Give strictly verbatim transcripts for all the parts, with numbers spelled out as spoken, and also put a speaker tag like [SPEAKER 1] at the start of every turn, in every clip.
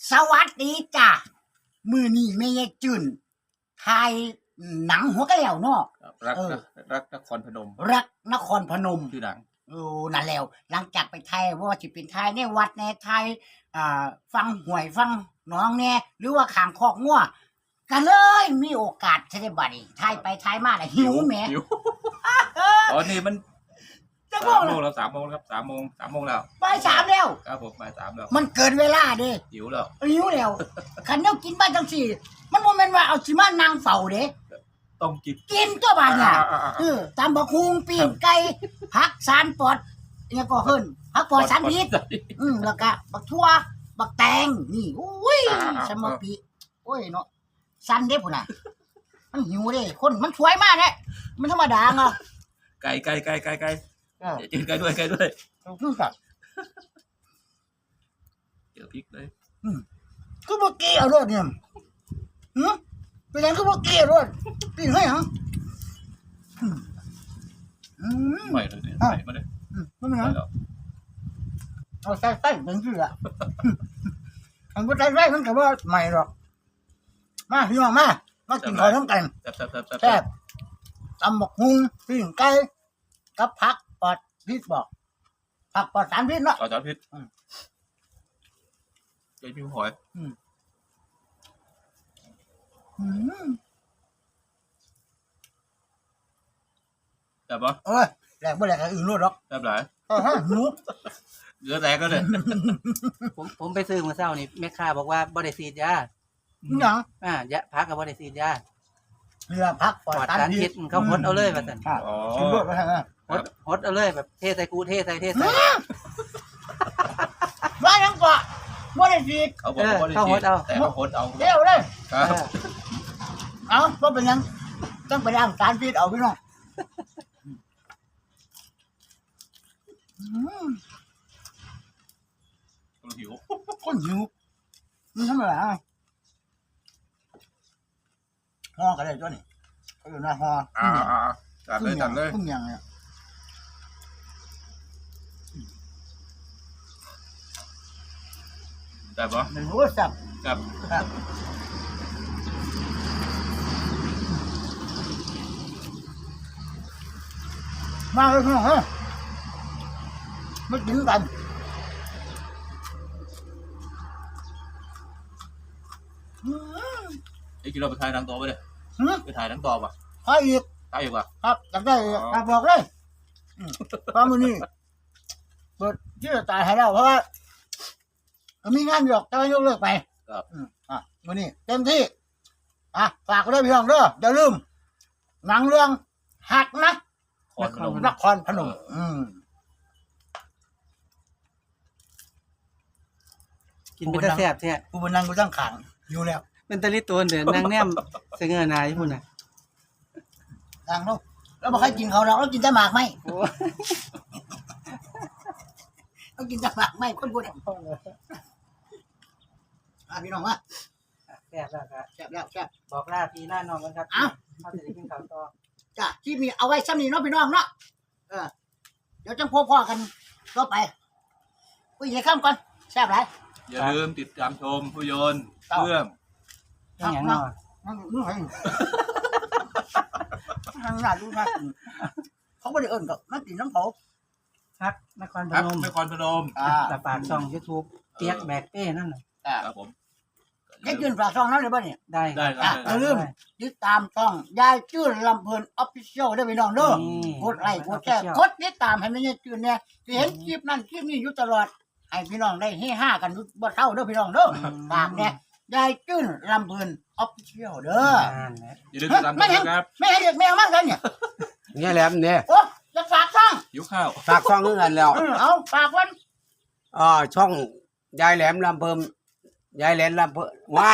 [SPEAKER 1] สวัสดีจ้ะมือนี่แม่ยายจืนถ่ายหนังหัวกระเหลี่ยวเนาะ
[SPEAKER 2] รัก
[SPEAKER 1] เออ
[SPEAKER 2] รักนครพนม
[SPEAKER 1] รักนครพนม
[SPEAKER 2] ชื่อหนัง
[SPEAKER 1] โอ้นั่นแล้วหลังจากไปไทยว่าสิเป็นไทยในวัดในไทยอ่าฟังหวยฟังหน้องแน่หรือว่าขางคอกงัวก็เลยมีโอกาสจะได้บัดนี้ไทยไปไทยมาน่ะหิวแหม
[SPEAKER 2] หิวตอนนี้มัน
[SPEAKER 1] จะ
[SPEAKER 2] สา
[SPEAKER 1] บอ
[SPEAKER 2] ม
[SPEAKER 1] ก
[SPEAKER 2] โม
[SPEAKER 1] เลย
[SPEAKER 2] งแล้วสามโมงแล้วครับสามโมงสามโมงแล้ว
[SPEAKER 1] บ่ายสามแล้ว
[SPEAKER 2] ครับผมบ่ายสามแล้ว
[SPEAKER 1] มันเกินเวลาเด้
[SPEAKER 2] หิวแล้ว
[SPEAKER 1] หิวแล้วคันเดียวกินบ้านจังสี่ มันบ่แม่นว่าเอาสิมานั่งเฝ้าเด้
[SPEAKER 2] ต้องกิน
[SPEAKER 1] กินตัวบาดเนี่ย
[SPEAKER 2] อ่าๆๆ
[SPEAKER 1] เออตามบักฮุงปีนไก่ผักสารปอดเนี่ยก็เฮิ่นผักปอดสารพิษอืมแล้วก็บักทั่วบักแตงนี่โอ้ยสมปีโอ้ยเนาะสันเด้พุ่นน่ะมันหิวเด้คนมันสวยมากเด้มันธรรมดาเนาะ
[SPEAKER 2] ไก่ไก่ไก่ไก่ไก่
[SPEAKER 1] เออ
[SPEAKER 2] เดี๋ยวกินไก่ด้วยไก่ด้วย
[SPEAKER 1] คือกับ
[SPEAKER 2] เจอพริกเลย
[SPEAKER 1] คือบ่เกี่ยวรถเนี่ยหึเป็นหยังคือบ่เกี่ยวรถปีนให้หยังอืมอืม
[SPEAKER 2] ใหม่เลยเนี่ย
[SPEAKER 1] อ่ะ
[SPEAKER 2] ใหม่มาเลย
[SPEAKER 1] อืมมันเป็นห
[SPEAKER 2] ให
[SPEAKER 1] ยั
[SPEAKER 2] ม่
[SPEAKER 1] ง
[SPEAKER 2] แล้ว
[SPEAKER 1] เอาใส่ใส่เป็นชื่ออะมันก็ใส่ใส่มันก็ว่าใหม่หรอกมาพี่น้องมามากินข้าวน้ำกัน
[SPEAKER 2] แซ่บแซ่บแซ่บแซ่บ
[SPEAKER 1] แซ่บตำบักหุ่งปิ้งไก่กับผักปอดพิษบอกผักปอดสารพิษเนาะ
[SPEAKER 2] ต่อจานพริก
[SPEAKER 1] อืม
[SPEAKER 2] เจ๊พิมหอย
[SPEAKER 1] อืม
[SPEAKER 2] แซ่บปะ
[SPEAKER 1] เอ้ยแหลกบ่แหลกก็อื่นรู้หรอก
[SPEAKER 2] แซ่บหลาย
[SPEAKER 1] เออฮะหนู
[SPEAKER 2] เหลือแตกก็เลย
[SPEAKER 3] ผมผมไปซื้อเมื่อเช้านี่แม่ค้าบอกว่าบ่ได้ฉีดยา
[SPEAKER 1] นี่หยัง
[SPEAKER 3] อ่ายาพักก็บ่ได้ฉีดยา
[SPEAKER 1] เรือผักป
[SPEAKER 3] ป
[SPEAKER 1] อ
[SPEAKER 3] ล
[SPEAKER 1] ด
[SPEAKER 3] อด
[SPEAKER 1] สาร
[SPEAKER 3] สาร
[SPEAKER 1] พิ
[SPEAKER 3] พิ
[SPEAKER 1] ษ
[SPEAKER 3] ษเขาหดเอาเลยว่าซั่น
[SPEAKER 1] ครับ
[SPEAKER 2] อ๋อ
[SPEAKER 1] กินรสไปทางนั้น
[SPEAKER 3] หดหดเอาเลยแบบเทใส่กูเทใส่เทใส่
[SPEAKER 1] ว่าหยังก็บ่ได้ฉีด
[SPEAKER 2] เขาบอกว่า
[SPEAKER 3] เขาหดเอา
[SPEAKER 2] แต่เขาหดเอา
[SPEAKER 1] เดี๋ยวเลย
[SPEAKER 2] ครับ
[SPEAKER 3] เออ
[SPEAKER 1] เอาบ่เป็นหยังต้องไปล้างสารพิษเอาพี่น้องอืม
[SPEAKER 2] หิว
[SPEAKER 1] คนหิวมันทำอะไรอ่ะห่อกันเลยตัวนี้เขาอยู่หน้าห่อ
[SPEAKER 2] อ่าอ่าอ่าจัดเลยจัดเลย
[SPEAKER 1] พึ่งยังเนี่ย
[SPEAKER 2] แซ่บปะ
[SPEAKER 1] มันรู้ว่าสับ
[SPEAKER 2] แซ่บ
[SPEAKER 1] ครับมาเลยพี่น้องเฮ้ยมากินกัน อืม
[SPEAKER 2] ไอ้กินเราไปถ่ายหนังต่อไปเลย
[SPEAKER 1] หืม
[SPEAKER 2] ไปถ่ายหนังต่อป่ะ
[SPEAKER 1] ให้อีก
[SPEAKER 2] ถ่ายอยู่ป่ะ
[SPEAKER 1] ครับอยากได้อีกครับบอกเลยอืมความมือนี้เปิดที่จะตายให้แล้วเพราะว่าก็มีงานอยู่หรอกแต่ว่ายกเลิกไป
[SPEAKER 2] ครับ
[SPEAKER 1] อืมอ่ะมือนี้เต็มที่อ่ะฝากไว้ด้วยพี่น้องเด้ออย่าลืมหนังเรื่องหักนะ
[SPEAKER 2] คอนพนม
[SPEAKER 1] นครพนมอืม
[SPEAKER 3] กินเป็นตาแซ่บแท้
[SPEAKER 1] กูเป็นนางกูตั้งขางอยู่แล้ว
[SPEAKER 3] เป็นตะลิตัวเดินนางแนมเสงอหน้าอยู่พุ่นน่ะ
[SPEAKER 1] นางเนาะแล้วบอกให้กินเขาเราแล้วกินแต่หมากไหม
[SPEAKER 3] โอ้
[SPEAKER 1] เรากินแต่หมากไหมคนพูดอ่ะอ่ะพี่น้องว่า
[SPEAKER 3] แซ่บแล้วก็
[SPEAKER 1] แซ่บแล้วแซ่บ
[SPEAKER 3] บอกลาพี่ลาน้องกันครับ
[SPEAKER 1] เอ้า
[SPEAKER 3] เขาจะได้กินข้าวต่อ
[SPEAKER 1] จ้ะที่มีเอาไว้ซ้ำนี่เนาะพี่น้องเนาะเออเดี๋ยวจังพบพ่อกันก็ไปคุยให้ข้ามก่อนแซ่บไร
[SPEAKER 2] อย่าลืมติดตามชมภาพยนตร์
[SPEAKER 1] ครับ
[SPEAKER 2] เรื่อง
[SPEAKER 3] เป็นหยังเนาะ
[SPEAKER 1] นั่งนู่นไงทางหน้าดูนะเขาไม่ได้เอิ้นกับนักกินน้ำเขา
[SPEAKER 3] พักนครพ
[SPEAKER 2] ครับ
[SPEAKER 3] นม
[SPEAKER 2] นครพนม
[SPEAKER 1] อ่า
[SPEAKER 3] ตะปากช่อง YouTube เปียกแบกเป้นั่นน่ะ
[SPEAKER 1] อ่า
[SPEAKER 2] ครับผม
[SPEAKER 1] เด็กยืนฝากช่องนั้นเลยป่ะเนี่ย
[SPEAKER 3] ได้
[SPEAKER 2] ได้ค
[SPEAKER 1] อ่ะ
[SPEAKER 2] รับ
[SPEAKER 1] อย่าลืมติดตามช่องยายจื้นลำเพลินออฟฟิเชียลได้พี่น้องเด้อ
[SPEAKER 3] นี่
[SPEAKER 1] กดไลค์กดแชร์กดติดตามให้มันยายจื้นเนี่ยที่เห็นคลิปนั้นคลิปนี้อยู่ตลอดให้พี่น้องได้เฮฮากันบ่เท่าเด้อพี่น้องเด้อฝากเนี่ยยายจื้นลำเพลินออฟฟิเชียลเด้อ
[SPEAKER 3] นั่นแหละ
[SPEAKER 2] อย่าลืมติดตามช
[SPEAKER 1] ไม่
[SPEAKER 2] ม
[SPEAKER 1] เห็น
[SPEAKER 2] นะครับ
[SPEAKER 1] ไม่เห็นเด็กแมวมากเลยเนี่ย
[SPEAKER 4] เนี่ยแหลมเนี่ย
[SPEAKER 1] โอ้จะฝากช่อง
[SPEAKER 2] หิวข้าว
[SPEAKER 4] ฝากช่องนึงกันแล้ว
[SPEAKER 1] เออเอาฝากวัน
[SPEAKER 4] อ่าช่องยายแหลมลำเพิ่มยายแหลมลำเพิ่มว้าย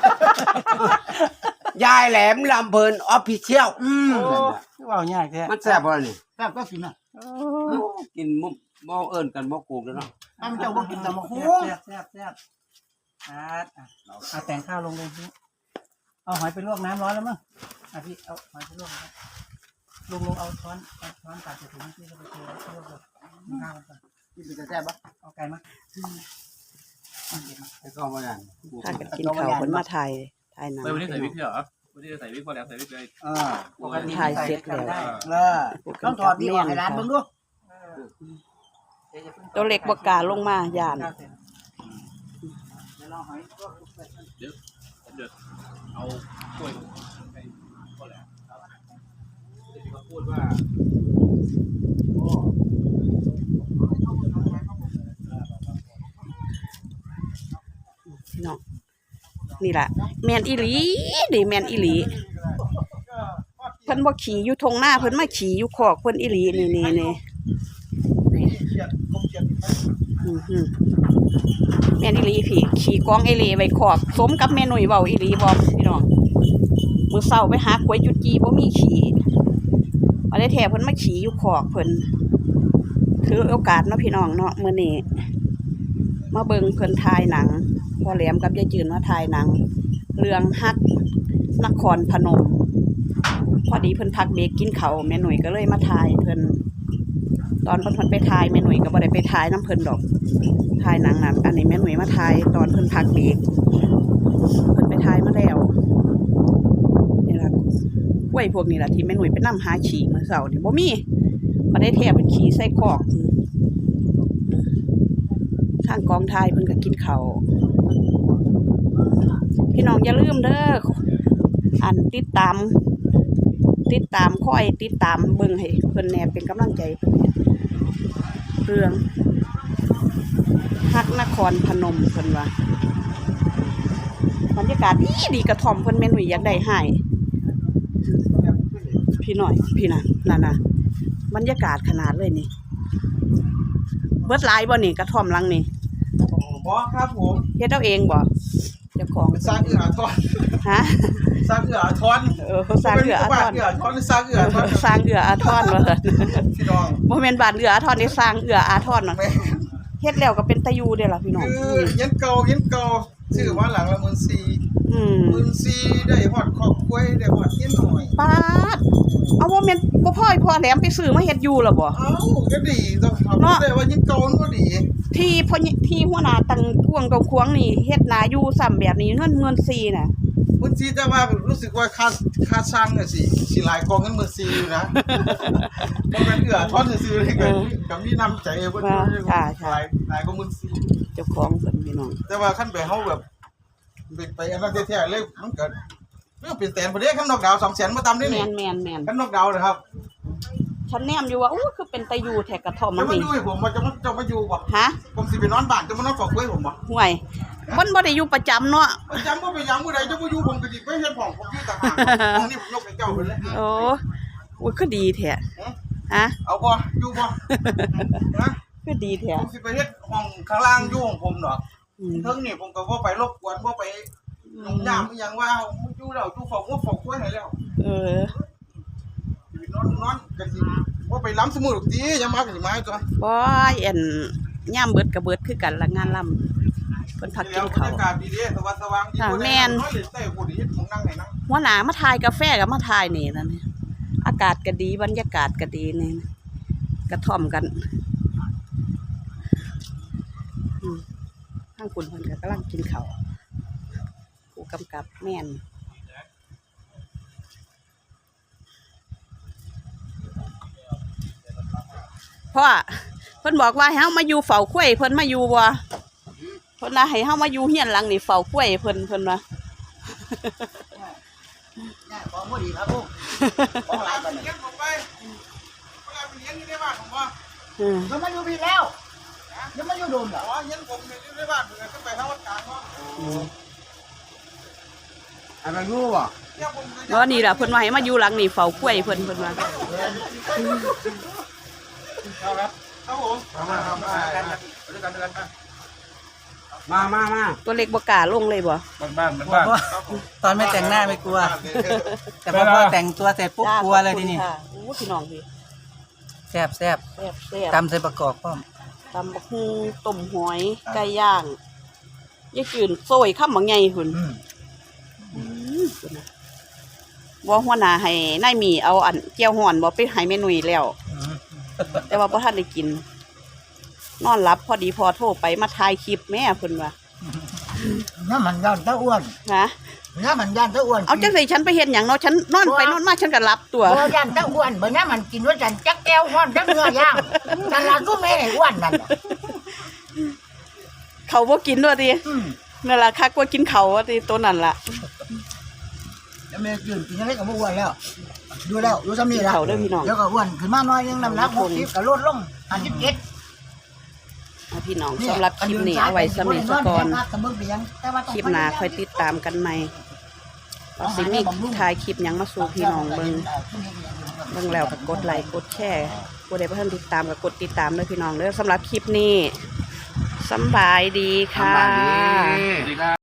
[SPEAKER 4] ยายแหลมลำเพิ่นออฟฟิเชียล
[SPEAKER 1] อืม
[SPEAKER 3] โอ้เว้ายากแท้
[SPEAKER 4] มันแซ่บบ่นี่
[SPEAKER 1] แซ่บก็กินนะ
[SPEAKER 3] โอ้
[SPEAKER 4] กินมุบ่บ่เอิ้นกันบ่กูกแล้วเนาะ
[SPEAKER 1] ให้มันเจ้าบ่กินแต่มะฮุง
[SPEAKER 3] แซ่บแซ่บแซ่บอ่าอ่ะเอาแต่งข้าวลงเลยพี่เอาหอยไปลวกน้ำร้อนแล้วมั้งอ่ะพี่เอาหอยไปลวกนะลุงลุงเอาช้อนเอาช้อนตักใส่ถุงที่เราไปเทลวกเลยข้าวมันก่อน
[SPEAKER 1] กินเป็นแต่แซ่บปะ
[SPEAKER 3] เอาไก่มา
[SPEAKER 4] ไอ้ก็บ่นั่น
[SPEAKER 5] พากันกินข้าวเพิ่นมาถ่ายถ่ายหนัง
[SPEAKER 2] ไม่วันนี้ใส่วิกเหรอวันนี้ใส่วิกพอแล้วใส่วิกเลย
[SPEAKER 1] เออ
[SPEAKER 3] ปกติ
[SPEAKER 5] ถ่ายเสร็จแล้ว
[SPEAKER 3] ได้
[SPEAKER 1] เออต้องถอดดีกว่าให้ร้านเบิ่งดู
[SPEAKER 5] ตัวเล็กบ่กล้าลงมาย่าน
[SPEAKER 3] เดี๋ยวเราหอยลวกเปิด
[SPEAKER 2] เดี๋ยวเดือดเอากล้วยไปพอแล้วครับเดี๋ยวเขาพูดว่า
[SPEAKER 5] พี่น้องนี่ล่ะแม่นอีหลีนี่แม่นอีหลีเพิ่นบ่ขี่อยู่ทงหน้าเพิ่นมาขี่อยู่คอกเพิ่นอีหลีนี่นี่นี่อื้อหือแม่นอีหลีพี่ขี่กองเอเลไว้คอกสมกับแม่หนุ่ยเว้าอีหลีบ่พี่น้องมื้อเช้าไปหากล้วยจุดจีบ่มีขี่บ่ได้แท้เพิ่นมาขี่อยู่คอกเพิ่นถือโอกาสเนาะพี่น้องเนาะมื้อนี้มาเบิ่งเพิ่นถ่ายหนังพ่อแหลมกับยายจืนมาถ่ายหนังเรื่องฮักนครพนมพอดีเพิ่นพักเบรกกินข้าวแม่หนุ่ยก็เลยมาถ่ายเพิ่นตอนเพิ่นไปถ่ายแม่หนุ่ยก็บ่ได้ไปถ่ายน้ำเพิ่นดอกถ่ายหนังน่ะอันนี้แม่หนุ่ยมาถ่ายตอนเพิ่นพักเบรกเพิ่นไปถ่ายมาแล้วนี่ล่ะกล้วยพวกนี้ล่ะที่แม่หนุ่ยไปนำหาขี่มื้อเช้านี่บ่มีบ่ได้แท้เพิ่นขี่ใส่คอกทางกองถ่ายเพิ่นก็กินข้าวพี่น้องอย่าลืมเด้ออันติดตามติดตามคอยติดตามเบิ่งให้เพิ่นแหน่เป็นกำลังใจเพิ่นเรื่องฮักนครพนมเพิ่นว่าบรรยากาศดีดีกระท่อมเพิ่นแม่นหนุ่ยอยากได้ให้พี่น้อยพี่น่ะนั่นน่ะบรรยากาศขนาดเลยนี่เบิดหลายบ่นี่กระท่อมหลังนี่
[SPEAKER 3] บอครับผม
[SPEAKER 5] เฮ็ดเอาเองบ่เจ้าของ
[SPEAKER 3] สร้างเอือทอน
[SPEAKER 5] ฮะ
[SPEAKER 3] สร้างเอือทอน
[SPEAKER 5] เออสร้างเอืออาทร
[SPEAKER 3] เอือทอนสร้างเอือทอน
[SPEAKER 5] สร้างเอืออาทรว่าซั่น
[SPEAKER 3] พี่น้อง
[SPEAKER 5] บ่แม่นบ้านเอืออาทรนี่สร้างเอืออาทรเนาะ
[SPEAKER 3] แม่
[SPEAKER 5] เฮ็ดแล้วก็เป็นตะยูเด้อล่ะพี่น้อง
[SPEAKER 3] คือเย็นเก่าเย็นเก่าชื่อว่าหลังละหมื่นสี่
[SPEAKER 5] อืม
[SPEAKER 3] หมื่นสี่ได้ฮอดครอบครัวได้ฮอดเฮียนหน่อย
[SPEAKER 5] ป๊าดเอาบ่แม่นบ่พ่อพ่อแหลมไปซื้อมาเฮ็ดอยู่ล่ะบ่
[SPEAKER 3] เอ้าก็ดีต้องทำได้ว่าเย็นเก่ามันก็ดี
[SPEAKER 5] ที่พ่อที่หัวหน้าตังกวงตรงควงนี่เฮ็ดนาอยู่ซ้ำแบบนี้เงินเงินซีน่ะ
[SPEAKER 3] หมื่นสี่แต่ว่ารู้สึกว่าค่าค่าสร้างน่ะสิสิหลายกองเงินหมื่นสี่อยู่นะบ่แม่นเอือทอนซื่อๆเลยก็ก็มีน้ำใจเพิ่นหลายหลายกว่าหมื่นสี่
[SPEAKER 5] เจ้าของเพิ่นพี่น้อง
[SPEAKER 3] แต่ว่าขั้นไปเฮาแบบไปไปอันนั้นแท้ๆเลยมันก็เรื่องเป็นแสนบ่ได้คันนอกดาวสองแสนบ่ต่ำได้
[SPEAKER 5] แม่
[SPEAKER 3] นี่
[SPEAKER 5] นแม่นแม่น
[SPEAKER 3] คันนอกดาวนะครับ
[SPEAKER 5] ฉันแนมอยู่ว่าอู้คือเป็นตะยูแท้กระท่อม
[SPEAKER 3] จะ
[SPEAKER 5] มัน
[SPEAKER 3] มา
[SPEAKER 5] นี่
[SPEAKER 3] อยู่ให้ผมว่าจะมาจะมาอยู่บ่
[SPEAKER 5] ฮะ
[SPEAKER 3] ผมสิไปนอนบ้านจะมานอนฝากไว้ผมบ่
[SPEAKER 5] ห่วยมันบ่ได้อยู่ประจำเนาะ
[SPEAKER 3] ประจำบ่ไปหยังมื้อใดจะบ่อยู่ผมก็สิไปเฮ็ดของผมอยู่ต่างหากห้องนี้ผมยกให้เจ้าเพิ่นเลย
[SPEAKER 5] โอ้โอ้คือดีแท้ฮะ
[SPEAKER 3] เอาบ่อยู่บ่นะ
[SPEAKER 5] คือดีแท้
[SPEAKER 3] ผมสิไปเฮ็ดห้องข้างล่างอยู่ของผมดอก
[SPEAKER 5] อืม
[SPEAKER 3] เทิงนี่ผมก็บ่ไปรบกวนบ่ไปยุ่งยามอีหยังว่าอยู่แล้วอยู่ฝากหัวฝากไว้ให้แล้ว
[SPEAKER 5] เออ
[SPEAKER 3] นอนนอนกันสิว่าไปล้ำสมุดตียังมากันสิมาตัว
[SPEAKER 5] บ่อันย่ามเบิดก็เบิดคือกันละงานลำเพิ่นพักกินข้าว
[SPEAKER 3] บรรยากาศดีๆสว่างสว่างดี
[SPEAKER 5] ค่ะแม่น
[SPEAKER 3] น้อยเลยเต้กูดีเฮ็ดของนั่งไหนนั่ง
[SPEAKER 5] หัวหน้ามาถ่ายกาแฟก็มาถ่ายนี่นั่นนี่อากาศก็ดีบรรยากาศก็ดีนี่กระท่อมกันอืมทางคุณเพิ่นก็กำลังกินข้าวผู้กำกับแม่นเพราะว่าเพิ่นบอกว่าให้เฮามาอยู่เฝ้าคุ้ยเพิ่นมาอยู่บ่เพิ่นน่ะให้เฮามาอยู่เฮียนหลังนี่เฝ้าคุ้ยเพิ่นเพิ่นว่า
[SPEAKER 1] ได้ของบ่ดีครับลูกของหลาย
[SPEAKER 3] ไป
[SPEAKER 1] บัดนี้
[SPEAKER 3] เลี้ยงผมไปเวลาไปเลี้ยงอยู่ในบ้านผมว่า
[SPEAKER 5] อืม
[SPEAKER 1] มันมาอยู่พี่แล้วเดี๋ยวมาอยู่โดมเหรอ
[SPEAKER 3] อ๋อเลี้ยงผมอยู่ในบ้านผมก็ไปทางวัดกลางเนาะ
[SPEAKER 4] อันนั้นรู้บ่
[SPEAKER 3] เลี้ยงผม
[SPEAKER 5] เนาะนี่ล่ะเพิ่นว่าให้มาอยู่หลังนี่เฝ้าคุ้ยเพิ่นเพิ่นว่า
[SPEAKER 3] เอาครับครับผมมามามากันด้วยกันด้วยกัน
[SPEAKER 4] มามามา
[SPEAKER 5] ตัวเล็กบ่กล้าลงเลยบ่
[SPEAKER 2] บ้านบ้านบ้าน
[SPEAKER 3] ตอนไม่แต่งหน้าไม่กลัว แต่พอแต่งตัวเสร็จปุ๊บกลัวเลยทีนี้
[SPEAKER 5] ค่ะโอ้พี่น้องพี่
[SPEAKER 3] แซ่บแซ่บ
[SPEAKER 5] แซ่บแซ่บ
[SPEAKER 3] ตำใส่ประกอบพร้อม
[SPEAKER 5] ตำบักหุ่งต้มหอยไก่ย่างยายจืนโซยข้ามบักใหญ่หุ่นอืมพุ่นน่ะบ่หัวหน้าให้นายหมีเอาอันแก้วฮ้อนบ่ไปให้แม่นุ่ยแล้ว แต่ว่าบ่ทันได้กิน นอนหลับพอดีพอโทรไปมาถ่ายคลิปแม่เพิ่นว่า
[SPEAKER 3] อื
[SPEAKER 1] น้ำมันย่านตะอ้วน
[SPEAKER 5] นะ
[SPEAKER 1] น้ำมันย่านตะอ้วน
[SPEAKER 5] เอาจังไสฉันไปเฮ็ดหยังเนาะฉันนอนไปนอนมาฉันก็หลับตัว
[SPEAKER 1] บ่ย่านตะอ้วนบ่น้ำมันกินว่าจันจักแก้วฮ้อนจักเนื้อย่างจันละก็ไม่ได้อ้วนนั่นน่ะ
[SPEAKER 5] เขาบ่กินด้วยติ
[SPEAKER 1] อืม
[SPEAKER 5] นั่นล่ะคักว่ากินเขาว่าติตัวนั้นล่ะ
[SPEAKER 1] แล้วแม่กินกินอะไรก็บ่อ้วนแล้วดูแล้วดูซ้ำนี่ล่ะ
[SPEAKER 5] เขาเด้อพี่น้อง
[SPEAKER 1] เดี๋ยวก็อ้วนขึ้นมาหน่อยนึงน้ำหนักหกสิบก็ลดลงห้าสิบเจ็ด
[SPEAKER 5] เอาพี่น้องสำหรับคลิปนี้เอาไว้สำหรับก่อนคลิปหน้าค่อยติดตามกันใหม่ว่าสิมีถ่ายคลิปหยังมาสู่พี่น้องเบิ่งเบิ่งแล้วก็กดไลค์กดแชร์ผู้ใดบ่ทันติดตามก็กดติดตามด้วยพี่น้องเด้อสำหรับคลิปนี้สำบายดีค่ะ
[SPEAKER 4] สำบายดี
[SPEAKER 2] สวัสดีครับ